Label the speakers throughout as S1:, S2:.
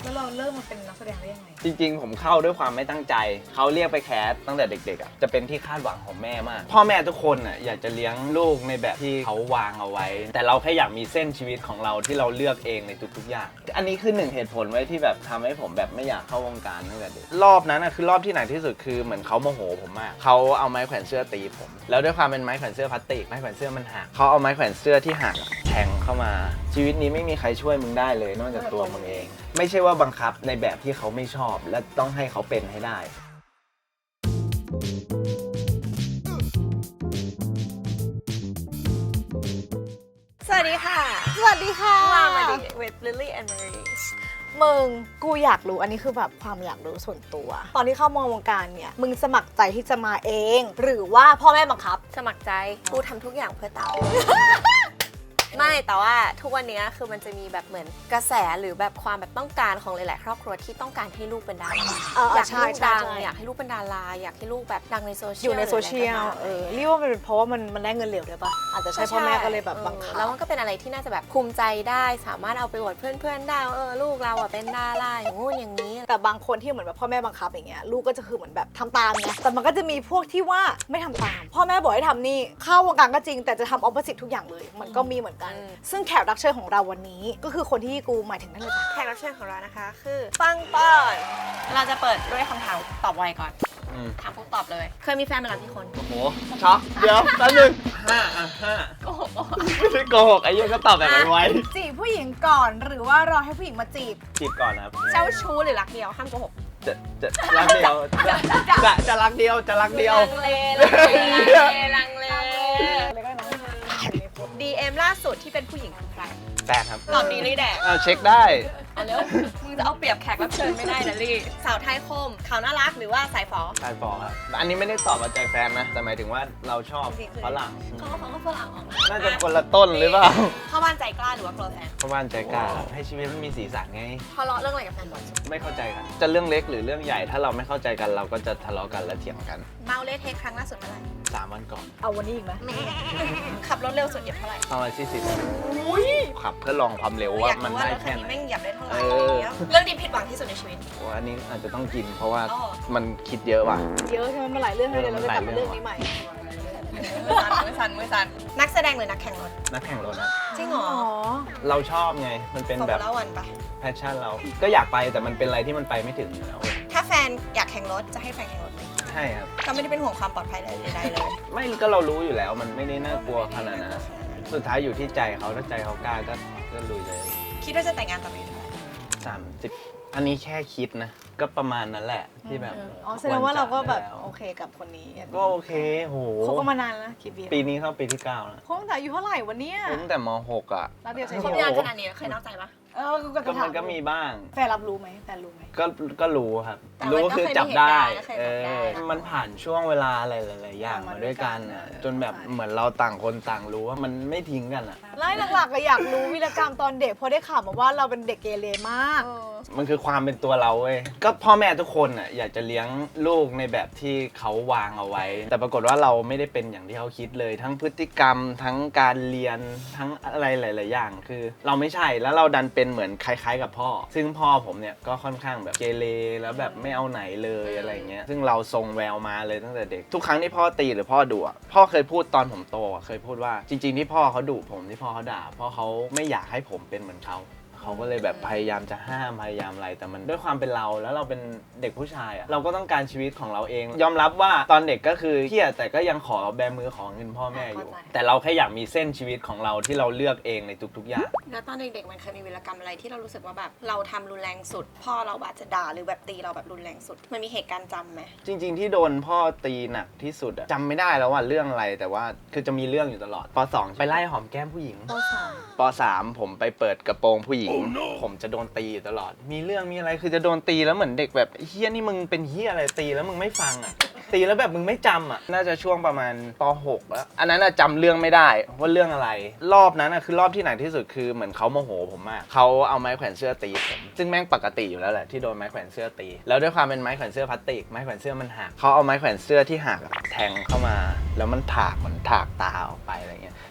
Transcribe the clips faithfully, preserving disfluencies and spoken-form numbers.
S1: แล้วเราเริ่มมาเป็นนักแสดงได้ยังไง
S2: จริงๆผมเข้าด้วยความไม่ตั้งใจเขาเรียกไปแคสตั้งแต่เด็กๆอ่ะจะเป็นที่คาดหวังของแม่มากพ่อแม่ทุกคนอ่ะอยากจะเลี้ยงลูกในแบบที่เขาวางเอาไว้แต่เราแค่อยากมีเส้นชีวิตของเราที่เราเลือกเองในทุกๆอย่างอันนี้คือหนึ่งเหตุผลไว้ที่แบบทำให้ผมแบบไม่อยากเข้าวงการตั้งแต่เด็กรอบนั้นอ่ะคือรอบที่หนักที่สุดคือเหมือนเขาโมโหผมมากเขาเอาไม้แขวนเสื้อตีผมแล้วด้วยความเป็นไม้แขวนเสื้อพลาสติกไม้แขวนเสื้อมันหักเขาเอาไม้แขวนเสื้อที่หักแทงเข้ามาชีวิตนี้ไม่มีใครช่วยมึงได้เลยนอกจากตัวมึงเองไม่ใช่ว่าบังคับในแบบที่เขาไม่ชอบและต้องให้เขาเป็นให้ได้
S3: สวัสดีค่ะ
S1: สวัสดีค่ะ
S3: ว่ามาดี with Lily and Marie
S1: มึงกูอยากรู้อันนี้คือแบบความอยากรู้ส่วนตัวตอนที่เข้ามาวงการเนี่ยมึงสมัครใจที่จะมาเองหรือว่าพ่อแม่บังคับ
S3: สมัครใจกูทำทุกอย่างเพื่อเต๋า ไม่แต่ว่าทุกวันนี้คือมันจะมีแบบเหมือนกระแสหรือแบบความแบบต้องการของหลายๆครอบครัวที่ต้องการให้ลูกเป็นดาราอยากให้ลูกดังอยากให้ลูกเป็นดาราอยากให้ลูกแบบดังในโซเชียล
S1: อยู่ในโซเชียลเออเรียกว่ามันเป็นเพราะว่ามันมันได้เงินเหลวด้วยปะอาจจะใช่พ่อแม่ก็เลยแบบบังคับ
S3: แล้วมันก็เป็นอะไรที่น่าจะแบบภูมิใจได้สามารถเอาไปอวดเพื่อนๆได้เออลูกเราอ่ะเป็นดาราอย่างงู้นอย่างนี้
S1: แต่บางคนที่เหมือนแบบพ่อแม่บังคับอย่างเงี้ยลูกก็จะคือเหมือนแบบทำตามไงแต่มันก็จะมีพวกที่ว่าไม่ทำตามพ่อแม่บอกให้ทำนี่เข้าวงการก็จริงแต่จะทำออปโปสิตทุกอย่างเลยมันก็มีเหมือนกันซึ่งแขกรับเชิญของเราวันนี้ก็คือคนที่กูหมายถึงนั่นเลยจ้ะ
S3: แขกรับเชิญของเรานะคะคือปังปอนเราจะเปิดด้วยคำถามตอบไวก่อนถามปุ๊บตอบเลยเคยมีแฟนมาแล้วกี่คน
S2: โอ้โหช็อกเดี๋ยวแป๊บนึงห้าอ่ะห้า
S3: โกหก
S2: ไม่ใช่โกหกไอ้ยังก็ตอบแบบไว
S1: ๆจีบผู้หญิงก่อนหรือว่ารอให้ผู้หญิงมาจีบ
S2: จีบก่อนครับ
S3: เจ้าชู้หรือรักเดียวห้ามโกหก
S2: จะจะรักเดียวจะจะจะรักเดียวจะรักเดียว
S3: ลังเลลังเลลังเล ดี เอ็ม ล่าสุดที่เป็นผู้หญิงคือใคร
S2: แฟนครับ
S3: ตอบดีเลยแดก
S2: เอาเช็คได้
S3: เอาแล้วมึงจะเอาเปรียบแขกรับเชิญไม่ได้นะลี่สาวไทยคมขาวน่ารักหรือว่าสายฝอ
S2: สายฝอครับอันนี้ไม่ได้ตอบมาใจแฟนนะแต่หมายถึงว่าเราชอบฝรั่ง
S3: เขาเขาก็ฝรั่งออก
S2: น่าจะคนละต้นหรือเปล่า
S3: เข้าบ้านใจกล้าหรือว่ากลัวแฟน
S2: เข้าบ้านใจกล้าให้ชีวิตมันมีสีสันไง
S3: ทะเลาะเรื่องอะไรกับแฟนบ่อย
S2: ไม่เข้าใจกันจะเรื่องเล็กหรือเรื่องใหญ่ถ้าเราไม่เข้าใจกันเราก็จะทะเลาะกันและเถียงกัน
S3: เมาเละเทะครั้งล่าสุดเมื่อไหร่
S2: สามวันก่อน
S1: เอาวันนี้อีกไหม
S3: ขับรถเร็วสุดเหยียบเท่าไหร่
S2: ประมาณสี่สิบขับเพื่อลองความเร็วว่ามันได้แค่ไหน
S3: แม่งเหยียบได้เท่าไหร่เรื่องที่ผิดหวังที่สุดในชีวิต
S2: อันนี้อาจจะต้องกินเพราะว่ามันคิดเยอะว่ะ
S1: เยอะใช่ไหมมันหลายเรื่องเลยเราจะกลับมาเรื่องนี้ใหม่
S3: มือสั่นมือสั่นมือสั่นนักแสดงหรือนักแข่งรถ
S2: นักแข่งรถนะ
S3: จริงเหรอ
S2: เราชอบไงมันเป็นแบบแพชชั่นเราก็อยากไปแต่มันเป็นอะไรที่มันไปไม่ถึงแล้ว
S3: ถ้าแฟนอยากแข่งรถจะให้แฟนแข่งรถไหม
S2: ใช่ครับ
S3: ก็ไม่ได้เป็นห่วงความปลอดภัยใดๆเลย
S2: ไม่ก็เรารู้อยู่แล้วมันไม่ได้น่ากลัวขนาดนั้นสุดท้ายอยู่ที่ใจเขาถ้าใจเขากล้าก็ก็ลุยเลย
S3: คิดว่าจะแต่งงานตอนนี้เท่าไหร่
S2: สามสิบอันนี้แค่คิดนะก็ประมาณนั้นแหละที่แบบ
S1: อ๋อแสดงว่าเราก็แบบโอเคกับคนนี้
S2: ก็โอเคโห
S1: เขาก็มานานแล้วกี่ปี
S2: ปีนี้เข้าปีที่เก้าแล้ว
S1: เขาตั้งแต่อายุเท่าไหร่วันนี้
S2: ตั้งแต่มหกอ่ะ
S1: แล้วเดี๋ยวใช้
S3: ชีวิตขนาดนี้เคยนอกใจปะ
S1: เออ
S2: ก็มันก็มีบ้าง
S1: แฟนรับรู้ไหมแฟนรู้ไหม
S2: ก็ก็รู้ครับรู้คือจับได้เออมันผ่านช่วงเวลาอะไรหลายๆอย่างมาด้วยกันอ่ะจนแบบเหมือนเราต่างคนต่างรู้ว่ามันไม่ทิ้งกันอ่ะ
S1: ไล่หลักๆก็อยากรู้วีรกรรมตอนเด็กพอได้ข่าวมาว่าเราเป็นเด็กเกเรมาก
S2: มันคือความเป็นตัวเราเว้ยก็พ่อแม่ทุกคนอ่ะอยากจะเลี้ยงลูกในแบบที่เขาวางเอาไว้แต่ปรากฏว่าเราไม่ได้เป็นอย่างที่เขาคิดเลยทั้งพฤติกรรมทั้งการเรียนทั้งอะไรหลายๆอย่างคือเราไม่ใช่แล้วเราดันเป็นเหมือนคล้ายๆกับพ่อซึ่งพ่อผมเนี่ยก็ค่อนข้างแบบเกเรแล้วแบบไม่เอาไหนเลยอะไรเงี้ยซึ่งเราทรงแววมาเลยตั้งแต่เด็กทุกครั้งที่พ่อตีหรือพ่อดุอ่ะพ่อเคยพูดตอนผมโตเคยพูดว่าจริงๆที่พ่อเขาดุผมที่พ่อเขาด่าเพราะเขาไม่อยากให้ผมเป็นเหมือนเขาเขาก็เลยแบบพยายามจะห้ามพยายามอะไรแต่มันด้วยความเป็นเราแล้วเราเป็นเด็กผู้ชายอ่ะเราก็ต้องการชีวิตของเราเองยอมรับว่าตอนเด็กก็คือเครียดแต่ก็ยังขอแบมือขอเงินพ่อแม่อยู่แต่เราแค่อยากมีเส้นชีวิตของเราที่เราเลือกเองในทุกๆอย่าง
S3: แล้วตอนเด็กๆมันเคยมีวีรกรรมอะไรที่เรารู้สึกว่าแบบเราทำรุนแรงสุดพ่อเราอาจจะด่าหรือแบบตีเราแบบรุนแรงสุดมันมีเหตุการณ์จำไหม
S2: จริงๆที่โดนพ่อตีหนักที่สุดอะจำไม่ได้แล้วว่าเรื่องอะไรแต่ว่าคือจะมีเรื่องอยู่ตลอดป.สอง ไปไล่หอมแก้มผู้หญิง
S1: ป.สาม
S2: ป.สามผมไปเปิดกระโปรงผู้หญิง oh, no. ผมจะโดนตีตลอดมีเรื่องมีอะไรคือจะโดนตีแล้วเหมือนเด็กแบบเฮี้ยนี่มึงเป็นเฮี้ยอะไรตีแล้วมึงไม่ฟังอ่ะตีแล้วแบบมึงไม่จำอ่ะน่าจะช่วงประมาณป.หกแล้วอันนั้นจำเรื่องไม่ได้ว่าเรื่องอะไรรอบนั้นคือรอบที่หนักที่สุดคือเหมือนเขาโมโหผมมากเขาเอาไม้แขวนเสื้อตีผมซึ่งแม่งปกติอยู่แล้วแหละที่โดนไม้แขวนเสื้อตีแล้วด้วยความเป็นไม้แขวนเสื้อพลาสติกไม้แขวนเสื้อมันหักเขาเอาไม้แขวนเสื้อที่หักแทงเข้ามาแล้วมันถากเหมือนถากตาออกไปอะไรเงี้ย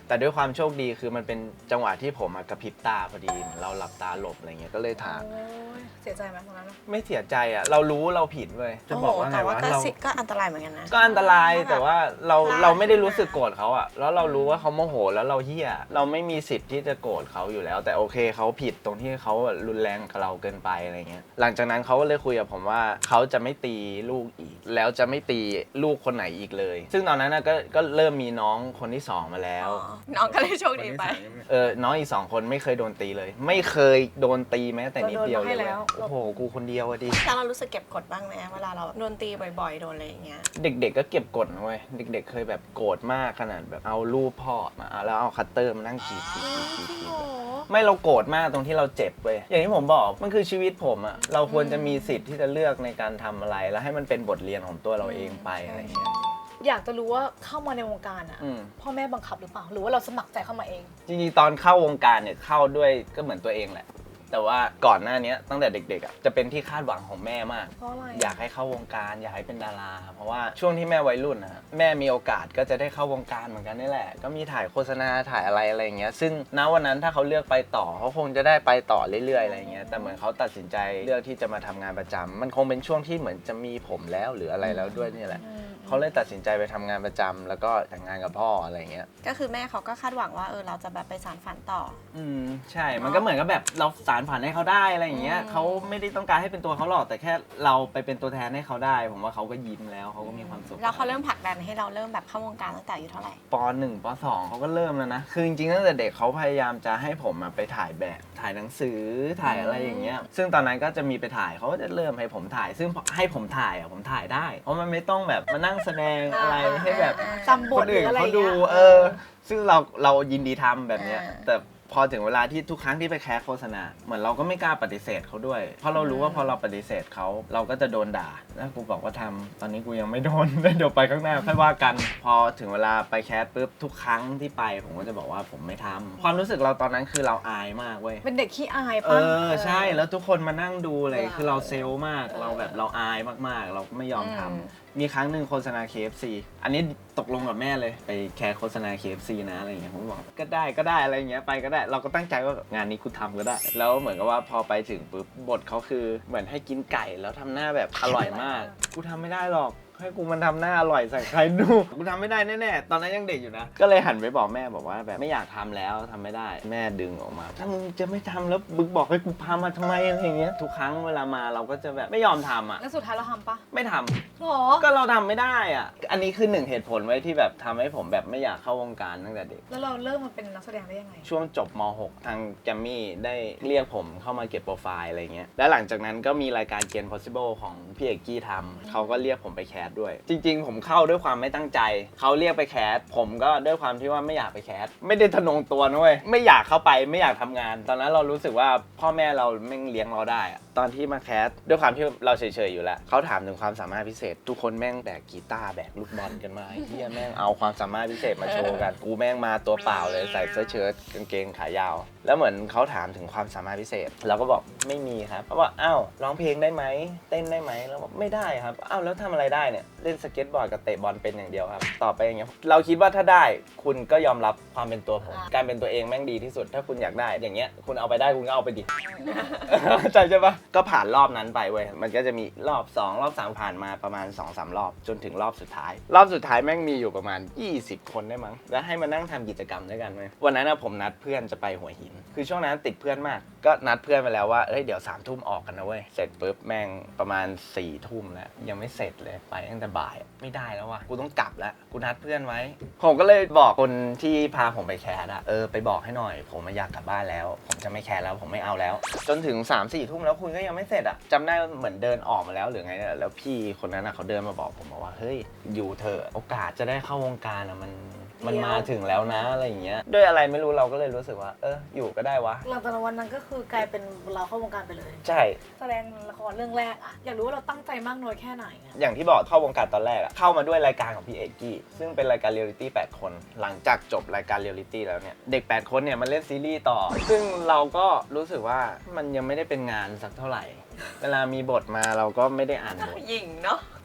S2: แต่ด้วยความโชคดีคือมันเป็นจังหวะที่ผมกระพริบตาพอดีเหมือนเราหลับตาหลบอะไรเงี้ยก็เลยถาม
S1: โอ้ยเสียใจไหมตอนนั้น
S2: ไม่เสียใจอ่ะเรารู้เราผิดเว้ยจะบอกว่าไง
S3: แต่ว่าว
S2: ะ
S3: ก็
S2: เรา
S3: สิก็อันตรายเหมือนกันนะ
S2: ก็อันตรายแต่ว่าเรา
S3: พลาด
S2: เราไม่ได้รู้สึกโกรธเขาอะแล้วเรารู้ว่าเขาโมโหแล้วเราเหี้ยเราไม่มีสิทธิ์ที่จะโกรธเขาอยู่แล้ว แต่โอเคเขาผิดตรงที่เขารุนแรงกับเราเกินไปอะไรเงี้ยหลังจากนั้นเขาก็เลยคุยกับผมว่าเขาจะไม่ตีลูกอีก แล้วจะไม่ตีลูกคนไหนอีกเลย ซึ่งตอนนั้นนะก็ก็เริ่มมีน้องคนที่สองมาแล้ว
S3: อ๋อน้องก็เลยโชคดีไป
S2: เออน้องอีกสองคนไม่เคยโดนตีเลย ไม่เคยโดนตีแม้แต่นิดเดียวเลย
S1: เราโดนมาให้แล้ว
S2: โอ้โหกูคนเดียวอะดิ
S3: แล้วเรารู้สึกเก็บกดบ้างไหมเวลาเราโดนตีบ่อยๆโดนอะไรอย่างเงี้ย
S2: เด็กๆก็เก็บกดนะเว้ยเด็กๆเคยแบบโกรธมากขนาดแบบเอารูปพ่อมาเอาแล้วเอาคัตเตอร์มานั่งกรีดกรีดกรีดกรีดกรีดไม่เราโกรธมากตรงที่เราเจ็บเว้ยอย่างที่ผมบอกมันคือชีวิตผมอะเราควรจะมีสิทธิ์ที่จะเลือกในการทำอะไร แล้วให้มันเป็นบทเรียนของตัวเราเองไปอะไรอย่างเงี้ย
S1: อยากจะรู้ว่าเข้ามาในวงการอ่ะ
S2: อืม
S1: พ่อแม่บังคับหรือเปล่าหรือว่าเราสมัครใจเข้ามาเอง
S2: จริงๆตอนเข้าวงการเนี่ยเข้าด้วยก็เหมือนตัวเองแหละแต่ว่าก่อนหน้านี้ตั้งแต่เด็กๆอ่ะจะเป็นที่คาดหวังของแม่มาก
S1: เพราะอะไร
S2: อยากให้เข้าวงการอยากให้เป็นดารา เพราะว่าช่วงที่แม่วัยรุ่นนะฮะแม่มีโอกาสก็จะได้เข้าวงการเหมือนกันนี่แหละก็มีถ่ายโฆษณาถ่ายอะไรอะไรอย่างเงี้ยซึ่งณวันนั้นถ้าเขาเลือกไปต่อเขาคงจะได้ไปต่อเรื่อยๆอะไรอย่างเงี้ยแต่เหมือนเขาตัดสินใจเลือกที่จะมาทำงานประจำมันคงเป็นช่วงที่เหมือนจะมีผมแล้วหรืออะไรแล้วด้วยนี่แหละ
S1: อืม
S2: เขาเลยตัดสินใจไปทำงานประจำแล้วก็แต่งงานกับพ่ออะไรอย่างเงี้ย
S3: ก็คือแม่เขาก็คาดหวังว่าเออเราจะแบบไปสานฝันต่อ
S2: อืมใช่ มันก็เหมือนกับแบบเราสารฝันให้เขาได้อะไรอย่างเงี้ย
S3: อืม
S2: เขาไม่ได้ต้องการให้เป็นตัวเขาหรอกแต่แค่เราไปเป็นตัวแทนให้เขาได้ ผมว่าเขาก็ยิ้มแล้วเขาก็มีความสุข
S3: แล้วเขาเริ่มผลักดันให้เราเริ่มแบบเข้าวงการตั้งแต่อายุเท่าไหร่
S2: ปหนึ่งปสองเขาก็เริ่มแล้วนะ คือจริงๆตั้งแต่เด็กเขาพยายามจะให้ผมอะไปถ่ายแบบถ่ายหนังสือถ่ายอะไรอย่างเงี้ย ซึ่งตอนนั้นก็จะมีไปถ่ายเขาก็จะเริ่มให้ผมถ่าย ซึ่งให้ผมถ่ายอ่ะผมถ่ายได้ เพราะมันไม่ต้องแบบมานั่งแสดงอะไรให้แบบ
S1: จำบ
S2: ค
S1: ท
S2: น
S1: หรื
S2: อื่
S1: อน อะไรอ
S2: เขา
S1: ย่าง
S2: ดู
S1: เงี้ย
S2: เออ ซึ่งเราเรายินดีทำแบบเนี้ย
S3: อ่า
S2: แต่พอถึงเวลาที่ทุกครั้งที่ไปแคสโฆษณาเหมือนเราก็ไม่กล้าปฏิเสธเขาด้วย เพราะเรารู้ว่าพอเราปฏิเสธเขาเราก็จะโดนด่าแล้วกูบอกว่าทำตอนนี้กูยังไม่โดน เดี๋ยวไปข้างหน้าค่อยว่ากัน พอถึงเวลาไปแคสปุ๊บทุกครั้งที่ไปผมก็จะบอกว่าผมไม่ทำความรู้สึกเราตอนนั้นคือเราอายมากเว้ย
S1: เป็นเด็กขี้อาย
S2: เอ
S1: ปะ
S2: อใช่แล้วทุกคนมานั่งดูเลย
S1: เออ
S2: คือเราเซลล์มาก
S1: เออ
S2: เราแบบเราอายมากๆ เราก็ไม่ยอมทำ
S3: อืม
S2: มีครั้งหนึ่งโฆษณา เค เอฟ ซี อันนี้ตกลงกับแม่เลยไปแคสโฆษณา เค เอฟ ซี นะอะไรอย่างเงี้ยผมบอกก็ได้ก็ได้อะไรอย่างเงี้ยไปก็ได้ เราก็ตั้งใจว่างานนี้กูทำก็ได้ แล้วเหมือนกับว่าพอไปถึงปุ๊บบทเขาคือเหมือนให้กินไก่แล้วทำหน้าแบบอร่อยมากกูทำไม่ได้หรอกให้กูมันทำหน้าอร่อยใส่ใครดูกูทำไม่ได้แน่ๆตอนนั้นยังเด็กอยู่นะก็เลยหันไปบอกแม่บอกว่าแบบไม่อยากทำแล้วทำไม่ได้แม่ดึงออกมาถ้ามึงจะไม่ทำแล้วมึงบอกให้กูพามาทำไมอะไรอย่างเงี้ยทุกครั้งเวลามาเราก็จะแบบไม่ยอมทำอ่ะ
S1: แล้วสุดท้ายเราทำปะ
S2: ไม่ทำ
S1: หรอ
S2: ก็เราทำไม่ได้อ่ะอันนี้คือหนึ่งเหตุผลไว้ที่แบบทำให้ผมแบบไม่อยากเข้าวงการตั้งแต่เด็ก
S1: แล้วเราเริ่มมาเป็นนักแสดงได้ยังไง
S2: ช่วงจบม หก ทางแกรมมี่ได้เรียกผมเข้ามาเก็บโปรไฟล์อะไรเงี้ย และหลังจากนั้นก็มีรายการเกณฑ์ possible ของพี่เอกกี้ทำเขาก็เรียกผมไปแคสด้วย จริง ๆ ผมเข้าด้วยความไม่ตั้งใจ เขาเรียกไปแคสผมก็ด้วยความที่ว่าไม่อยากไปแคสไม่ได้ทะนงตัวนะเว้ยไม่อยากเข้าไปไม่อยากทำงาน ตอนนั้นเรารู้สึกว่าพ่อแม่เราแม่งเลี้ยงเราได้อะตอนที่มาแคสด้วยความที่เราเฉยๆอยู่แล้วเขาถามถึงความสามารถพิเศษ ทุกคนแม่งแบกกีตาร์แบกลูกบอลกันมาไอ้เหี้ยแม่งเอาความสามารถพิเศษมาโชว์กันกูแม่งมาตัวเปล่าเลยใส่เสื้อเชิ้ตกางเกงขายาว แล้วเหมือนเขาถามถึงความสามารถพิเศษเราก็บอกไม่มีครับเขาบอกอ้าวร้องเพลงได้ไหมเต้นได้ไหมเราบอกไม่ได้ครับอ้าวแล้วทำอะไรได้เนี่ยเล่นสเก็ตบอร์ดกับเตะบอลเป็นอย่างเดียวครับตอบไปอย่างเงี้ยเราคิดว่าถ้าได้คุณก็ยอมรับความเป็นตัวผม
S1: อ่า
S2: การเป็นตัวเองแม่งดีที่สุดถ้าคุณอยากได้อย่างเงี้ยคุณเอาไปได้คุณก็เอาไปดิ ใช่ใช่ปะก็ผ่านรอบนั้นไปเว้ยมันก็จะมีรอบสองรอบสามผ่านมาประมาณ สองสาม รอบจนถึงรอบสุดท้าย รอบสุดท้ายแม่งมีอยู่ประมาณยี่สิบคนได้มั้งแล้วให้มานั่งทำกิจกรรมด้วยกันเว้ยวันนั้นนะผมนัดเพื่อนจะไปหัวหินคือช่วงนั้นติดเพื่อนมากก็นัดเพื่อนไปแล้วว่าเอ้ยเดี๋ยวสามทุ่มออกกันนะเว้ยเสร็จปุ๊บแม่งประมาณสี่ทุ่มแล้วยังไม่เสร็จเลยไปตั้งแต่บ่ายไม่ได้แล้วว่ะกูต้องกลับแล้วกูนัดเพื่อนไว้ผมก็เลยบอกคนที่พาผมไปแคสอะเออไปบอกให้หน่อยผมมาอยากกลับบ้านแล้วผมจะไม่แคสแล้วผมไม่เอาแล้ว จนถึง สามสี่ ทุ่มแล้วคุณก็ยังไม่เสร็จอะจำได้เหมือนเดินออกมาแล้วหรือไงเนี่ยแล้วพี่คนนั้นอะเขาเดินมาบอกผมบอกว่าเฮ้ยอยู่เถอะโอกาสจะได้เข้าวงการอะมันมันมาถึงแล้วนะอะไรอย่างเงี้ยด้วยอะไรไม่รู้เราก็เลยรู้สึกว่าเอออยู่ก็ได้วะ
S1: หลังจากวันนั้นก็คือกลายเป็นเราเข้าวงการไปเลย
S2: ใช่
S1: แสดงละครเรื่องแรกอะอยากรู้ว่าเราตั้งใจมากน้อยแค่ไหนอะ
S2: อย่างที่บอกเข้าวงการตอนแรกอะเข้ามาด้วยรายการของพี่เอกกี้ซึ่งเป็นรายการเรียลลิตี้แปดคนหลังจากจบรายการเรียลลิตี้แล้วเนี่ยเด็กแปดคนเนี่ยมันเล่นซีรีส์ต่อ ซึ่งเราก็รู้สึกว่ามันยังไม่ได้เป็นงานสักเท่าไหร่ เวลามีบทมาเราก็ไม่ได้อ่านบท
S3: หญิงเนาะ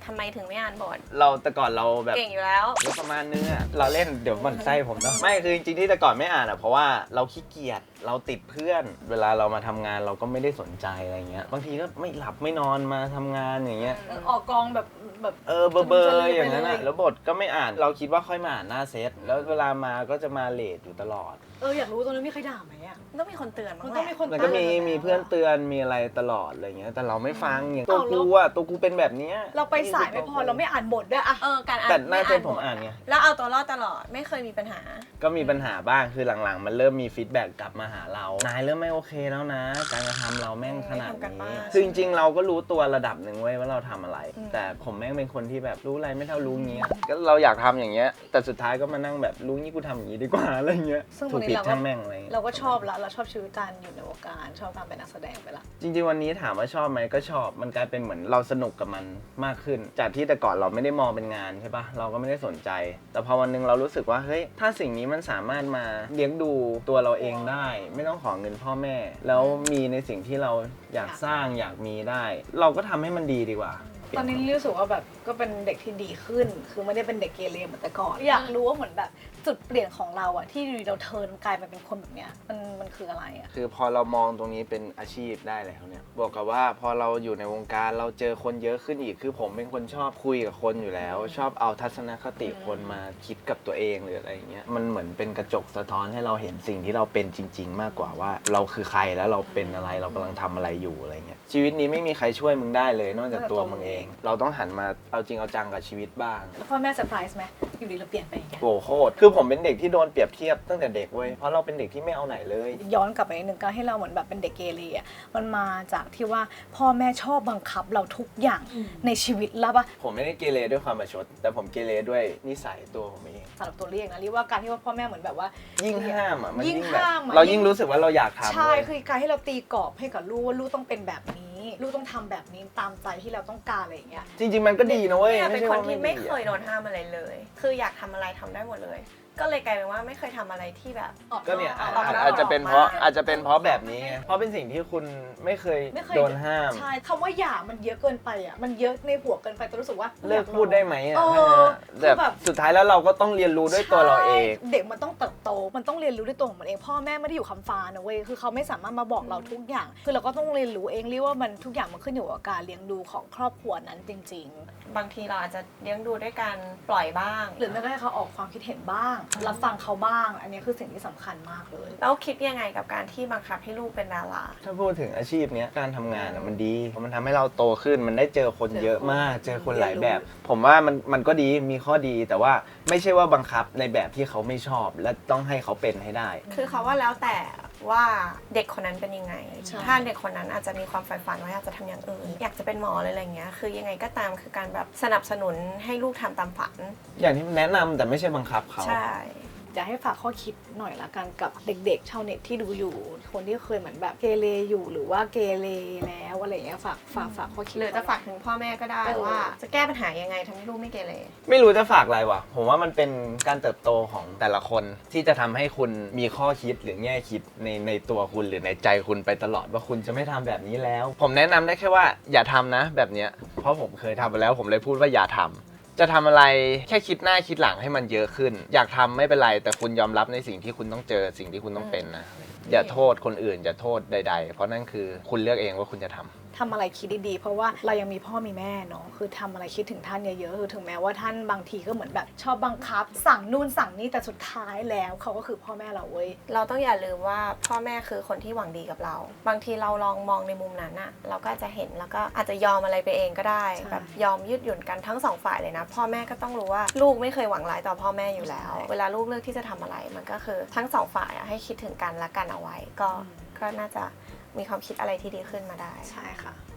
S3: ทำไมถึงไม่อ่านบท
S2: เราแต่ก่อนเราแบบ
S3: เก่งอยู่แล้ว
S2: แล้วประมาณนึงอะเราเล่นเดี๋ยวมันไส้ผมเนาะไม่คือจริงๆที่แต่ก่อนไม่อ่านอะเพราะว่าเราขี้เกียจเราติดเพื่อน เวลาเรามาทำงานเราก็ไม่ได้สนใจอะไรเงี้ยบางทีก็ไม่หลับไม่นอนมาทำงานอย่างเงี้ย
S1: เออออกกองแบบแบบ
S2: เออเบอร์เบอร์อย่างนั้น
S1: ไป
S2: อะ
S1: เลย
S2: แล้วบทก็ไม่อ่านเราคิดว่าค่อยมาอ่านหน้าเซตแล้วเวลามาก็จะมาเลทอยู่ตลอด
S1: เอออยากรู้ตรงนั้นมีใครด่าไหมอ่ะ
S3: ต้องมีคนเตือนบ้า
S1: มัน
S3: งแห
S1: ต้อง
S3: ละ
S1: มีคน
S2: มันก็มี
S1: ตื
S2: มีเพื่อนเตือนมีอะไรตลอดอะไรเงี้ยแต่เราไม่ฟังอย่างตัว
S1: เอา
S2: กู
S1: แล้ว
S2: อะตัวกูเป็นแบบเนี้ย
S1: เราไปสายไม่พอเราไม่อ่านบทด้วยอะ
S3: เออการอ่าน
S2: แต่หน้าเซต
S3: ไ
S2: ผมอ่านไง
S3: แล้วเอาตัวรอดตลอดไม่เคยมีปัญหา
S2: ก็มีปัญหาบ้างคือหลังๆ มันเริ่มมีฟีดแบ็กกลับมาหาเรา นายเริ่มไม่โอเคแล้วนะ การกระทำเราแม่งขนาด
S3: ไม่ทำกันบ้า
S2: นี้
S3: น
S2: คือจริงๆ เราก็รู้ตัวระดับหนึ่งเว้ยว่าเราทำอะไร
S3: อืม
S2: แต่ผมแม่งเป็นคนที่แบบรู้อะไรไม่เท่ารู้เงี้ย ก็เราอยากทำอย่างเงี้ย แต่สุดท้ายก็มานั่งแบบรู้งี้กูทำอย่างงี้ดีกว่าอะไรเงี้ย
S1: ซึ่ง
S2: ถู
S1: วั
S2: ก
S1: น
S2: ผิ
S1: นี้
S2: ด
S1: เราก็
S2: ช่างแม่งอะไรเงี้ย
S1: เราก็ชอบละเราชอบชีวิตการอยู่ในวงการชอบการเป็นนักแสดงไปละ
S2: จริงๆ วันนี้ถามว่าชอบไหมก็ชอบ มันกลายเป็นเหมือนเราสนุกกับมันมากขึ้น จากที่แต่ก่อนเราไม่ได้มองเป็นงานใช่ปะเราก็ไม่ได้สนใจ แต่พอวันหนึงเรารู้สึกว่าเฮ้ยถ้าสิ่งนี้มันสามารถมาเลี้ยงดูตัวเราเองได้ ไม่ต้องขอเงินพ่อแม่ แล้วมีในสิ่งที่เราอยากสร้างอยากมีได้ เราก็ทำให้มันดีดีกว่า
S1: ตอนนี้รู้สึกว่าแบบก็เป็นเด็กที่ดีขึ้น คือไม่ได้เป็นเด็กเกเรเหมือนแต่ก่อน อยากรู้ว่าเหมือนแบบจุดเปลี่ยนของเราอะที่อยู่ดีเราเทิร์นกลายมาเป็นคนแบบเนี้ยมันมันคืออะไรอะ
S2: คือพอเรามองตรงนี้เป็นอาชีพได้แล้วเนี่ยบวกกับว่าพอเราอยู่ในวงการเราเจอคนเยอะขึ้นอีก คือผมเป็นคนชอบคุยกับคนอยู่แล้ว ชอบเอาทัศนคติคนมาคิดกับตัวเองหรืออะไรอย่างเงี้ยมันเหมือนเป็นกระจกสะท้อนให้เราเห็นสิ่งที่เราเป็นจริง ๆ มากกว่าว่าเราคือใครแล้วเราเป็นอะไรเรากำลังทำอะไรอยู่อะไรเงี้ยชีวิตนี้ไม่มีใครช่วยมึงได้เลยนอกจากตัวมึงเอง เราต้องหันมาเอาจริงเอาจังกับชีวิตบ้าง
S1: แล้วพ่อแม่เซอร์ไพรส์ไหมอยู่ดีเราเปลี่ยนไปอย่างเงี้ย
S2: โอ้โคตรคือผมเป็นเด็กที่โดนเปรียบเทียบตั้งแต่เด็กเว้ยเพราะเราเป็นเด็กที่ไม่เอาไหนเลย
S1: ย้อนกลับไปนิดนึงการให้เราเหมือนแบบเป็นเด็กเกเรอะมันมาจากที่ว่าพ่อแม่ชอบบังคับเราทุกอย่างในชีวิตแล้วปะ
S2: ผมไม่ได้เกเรด้วยความประชด แต่ผมเกเรด้วยนิสัยตัวผมเอง
S1: สำหรับตัวเรียกนะเรียกว่าการที่ว่าพ่อแม่เหมือนแบบว่า
S2: ยิ่งห้ามอ่ะมัน
S1: ยิ่ง
S2: แบบ
S1: ห้ามอะ
S2: เรายิ่งรู้สึกว่าเราอยากทำ
S1: ใช่
S2: เว้ย
S1: คือการให้เราตีกรอบให้กับลูกว่าลูกต้องเป็นแบบนี้ ลูกต้องทำแบบนี้ตามใจที่เราต้องการอะไรอย่างเงี้ย
S2: จริง ๆ มันก็ดีนะเว้ย
S3: เนี่ยเป็นคน
S2: ใช่ว่า
S3: ที่ไม่
S2: ดี
S3: เคย
S2: อะ
S3: โดนห้ามอะไรเลย คืออยากทำอะไรทำได้หมดเลย ก็เลยกลายเป็นว่าไม่เคยทำอะไรที่แบบ
S2: ก็เนี่ยอาจ
S3: ออก
S2: อาจ
S3: นอก
S2: อาจจะเป็นเพราะ
S3: ออกมา
S2: อาจจะเป็นเพราะแบบนี้ไงเพราะเป็นสิ่งที่คุณไม่เคย
S1: ไม่เคย
S2: โดนห้าม
S1: ใช่คำว่าหย่ามันเยอะเกินไปอ่ะมันเยอะในหัวเกินไปแต่รู้สึกว่า
S2: เลิกพูดได้ไหมอ่ะ
S1: เออ
S2: ถ้างั้นอะ
S1: คือ
S2: แบ
S1: แบบ
S2: บสุดท้ายแล้วเราก็ต้องเรียนรู้ด้วยตัวเราเอง
S1: ใช่เด็กมันต้องเติบโตมันต้องเรียนรู้ด้วยตัวของมันเองพ่อแม่ไม่ได้อยู่คำฟ้านะเว้ยคือเขาไม่สามารถมาบอกเราทุกอย่าง คือเราก็ต้องเรียนรู้เองเรียกว่ามันทุกอย่างมันขึ้นอยู่กับการเลี้ยงดูของครอบครัวนั้นจริง
S3: บางทีเราอาจจะเลี้ยงดูด้วยการปล่อยบ้าง
S1: ๆ หรือแม้กระทั่งเขาออกความคิดเห็นบ้างรับฟังเขาบ้าง อันนี้คือสิ่งที่สำคัญมากเลย
S3: แล้วคิดยังไงกับการที่บังคับให้ลูกเป็นดารา
S2: ถ้าพูดถึงอาชีพเนี้ยการทำงานอะมันดีเพราะมันทำให้เราโตขึ้นมันได้เจอคนเยอะมาก เจอคนหลายแบบ ผมว่ามันมันก็ดีมีข้อดีแต่ว่าไม่ใช่ว่าบังคับในแบบที่เขาไม่ชอบ และต้องให้เขาเป็นให้ได้
S3: คือเขาว่าแล้วแต่ว่าเด็กคนนั้นเป็นยังไง
S1: ใช่
S3: ถ้าเด็กคนนั้นอาจจะมีความใฝ่ฝันว่าอยากจะทำอย่างอื่น อยากจะเป็นหมอเลยอะไรเงี้ย คือยังไงก็ตามคือการแบบสนับสนุนให้ลูกทำตามฝัน
S2: อย่างที่แนะนำแต่ไม่ใช่บังคับเขา
S3: ใช่
S1: อยากให้ฝากข้อคิดหน่อยละกันกับเด็กๆชาวเน็ตที่ดูอยู่ คนที่เคยเหมือนแบบเกเรอยู่หรือว่าเกเรแล้วอะไรอย่างเงี้ยฝากฝากฝากข้อคิด
S3: หรือจะฝากถึงพ่อแม่ก็ได้
S1: เออ
S3: ว่า จะแก้ปัญหายังไงทำให้ลูกไม่เกเร
S2: ไม่รู้จะฝากอะไรวะผมว่ามันเป็นการเติบโตของแต่ละคนที่จะทำให้คุณมีข้อคิดหรือแง่คิดในในตัวคุณหรือในใจคุณไปตลอดว่าคุณจะไม่ทำแบบนี้แล้ว ผมแนะนำได้แค่ว่าอย่าทำนะแบบเนี้ยเพราะผมเคยทำมาแล้วผมเลยพูดว่าอย่าทำจะทำอะไรแค่คิดหน้าคิดหลังให้มันเยอะขึ้น อยากทำไม่เป็นไรแต่คุณยอมรับในสิ่งที่คุณต้องเจอสิ่งที่คุณต้องเป็นนะอย่าโทษคนอื่นอย่าโทษใด ๆ เพราะนั่นคือคุณเลือกเองว่าคุณจะทำ
S1: ทำอะไรคิดดีๆเพราะว่าเรายังมีพ่อมีแม่เนาะคือทำอะไรคิดถึงท่านเยอะๆคือถึงแม้ว่าท่านบางทีก็เหมือนแบบชอบบังคับ สั่งนู่นสั่งนี่แต่สุดท้ายแล้วเขาก็คือพ่อแม่เราเว้ย
S3: เราต้องอย่าลืมว่าพ่อแม่คือคนที่หวังดีกับเรา บางทีเราลองมองในมุมนั้นอะเราก็จะเห็นแล้วก็อาจจะยอมอะไรไปเองก็ได้
S1: ใช่
S3: แบบยอมยืดหยุ่นกันทั้งสองฝ่ายเลยนะพ่อแม่ก็ต้องรู้ว่าลูกไม่เคยหวังร้ายต่อพ่อแม่อยู่แล้ว เวลาลูกเลือกที่จะทำอะไร มันก็คือทั้งสองฝ่ายอะให้คิดถึงกันและกันเอาไว้ ก็ก็น่าจะมีความคิดอะไรที่ดีขึ้นมาได้
S1: ใช่ค่ะ